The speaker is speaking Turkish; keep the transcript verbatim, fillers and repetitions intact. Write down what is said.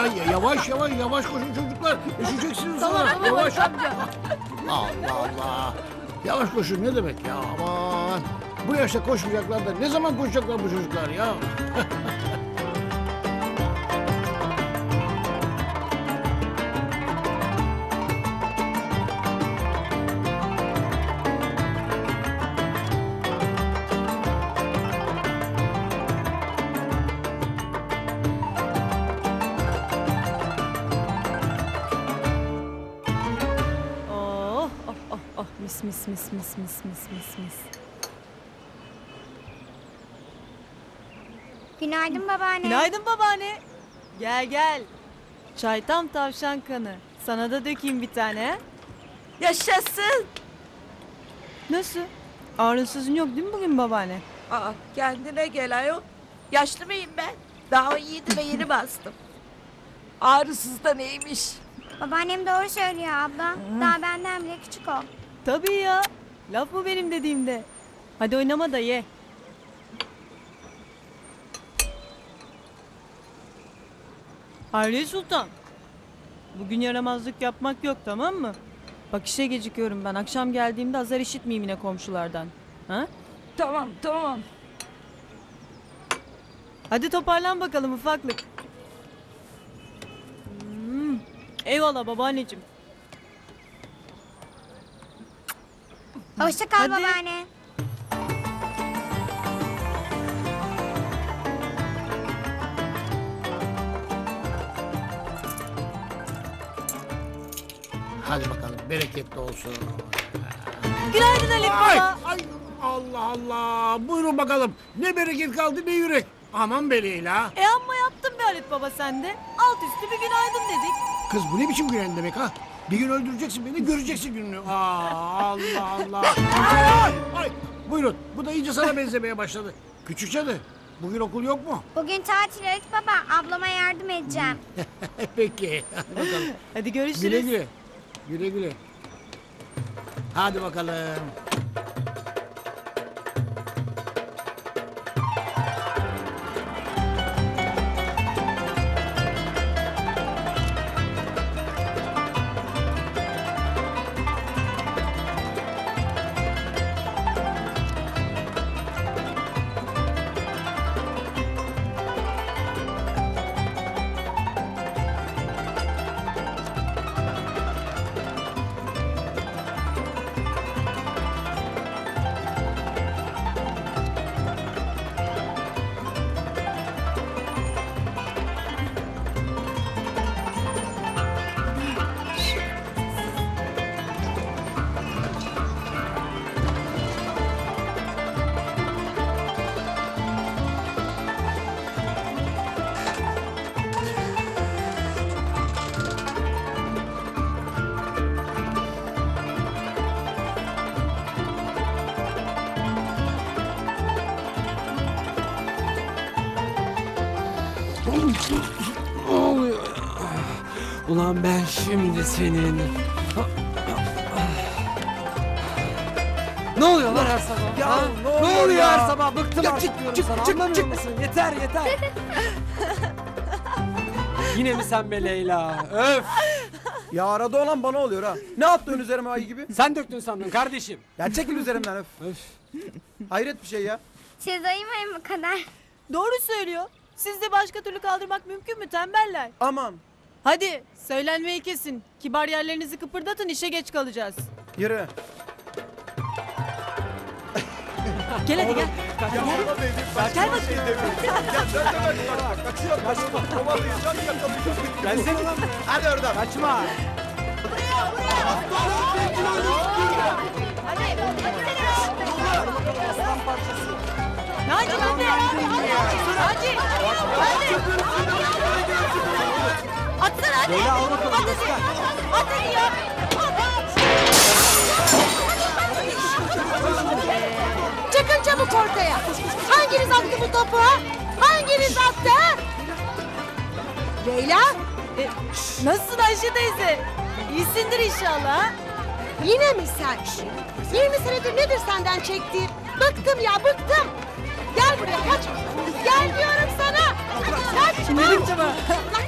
ya, yavaş yavaş yavaş koşun çocuklar. Üşüyeceksiniz sonra. Tamam, Yavaş. amca. Allah Allah. Yavaş koşun ne demek ya aman. Bu yaşta koşmayacaklar da ne zaman koşacaklar bu çocuklar ya? Oh, oh, oh, oh. Mis, mis, mis, mis, mis, mis, mis, mis. Günaydın babaanne. Günaydın babaanne. Gel gel. Çay tam tavşan kanı. Sana da dökeyim bir tane. he? Yaşasın. Nasıl? Ağrınsızın yok değil mi bugün babaanne? Aa, kendine gel ayol. Yaşlı mıyım ben? Daha on yedi ve yeni bastım. Ağrısız da neymiş? Babaannem doğru söylüyor abla. Daha benden bile küçük o. Tabii ya. Laf mı benim dediğimde? Hadi oynama da ye. Hayriye Sultan. Bugün yaramazlık yapmak yok tamam mı? Bak işe gecikiyorum ben. Akşam geldiğimde azar işitmeyeyim yine komşulardan. Ha? Tamam tamam. Hadi toparlan bakalım ufaklık. Hmm. Eyvallah babaanneciğim. Hoşça kal Hadi. babaanne. Hadi bakalım bereketli olsun. Günaydın Haluk Ay, baba. ay Allah Allah. Buyurun bakalım. Ne bereket kaldı ne yürek. Aman be Leyla. E amma yaptın be Halit baba sen de. Alt üstü bir günaydın dedik. Kız bu ne biçim gülen demek ha? Bir gün öldüreceksin beni göreceksin gününü. Aa, Allah Allah. Ay, ay, ay. Buyurun bu da iyice sana benzemeye başladı. Küçük cadı bugün okul yok mu? Bugün tatil Halit baba. Ablama yardım edeceğim. Peki hadi bakalım. Hadi görüşürüz. Güle güle. Güle güle. Hadi bakalım. Ne oluyor? Ulan ben şimdi senin... Ne oluyor lan her sabah? Ya ha? ne oluyor oluyor ya? her sabah? Bıktım Ya artık çık, diyorum çık, sana. çık, Anlamıyor çık. musun? Yeter yeter. Yine mi sen be Leyla? Öf! Ya arada olan bana oluyor ha. Ne yaptın üzerime ayı gibi? Sen döktün sandın kardeşim. Ya çekil üzerimden öf. Öf! Hayret bir şey ya. Siz ayımayın bu kadar. Doğru söylüyor. Sizde başka türlü kaldırmak mümkün mü tembeller? Aman Hadi söylenmeyi kesin. Kibar yerlerinizi kıpırdatın işe geç kalacağız. yürü. Gel hadi gel. Ya bana benim Gel bakayım. şey demiyorum. Ya dön dön dön bak kaçıyor kaçma. Kovalayacağım yakalayacağım. Gelsene. Hadi oradan. Kaçma. Naci hadi. Naci. Hadi. Atsana hadi. Leyla al bakalım. Hadi. göster. Hadi ya. Çıkın çabuk ortaya. Hanginiz attı bu topu? ha? Hanginiz attı? ha? Leyla? E, nasılsın Ayşe teyze? İyisindir inşallah. ha? Yine mi sen? yirmi senedir nedir senden çektiğim? Bıktım ya bıktım. Gel buraya kaç. Gel diyorum sana. Kaç. Şimdi dedim sana. Lan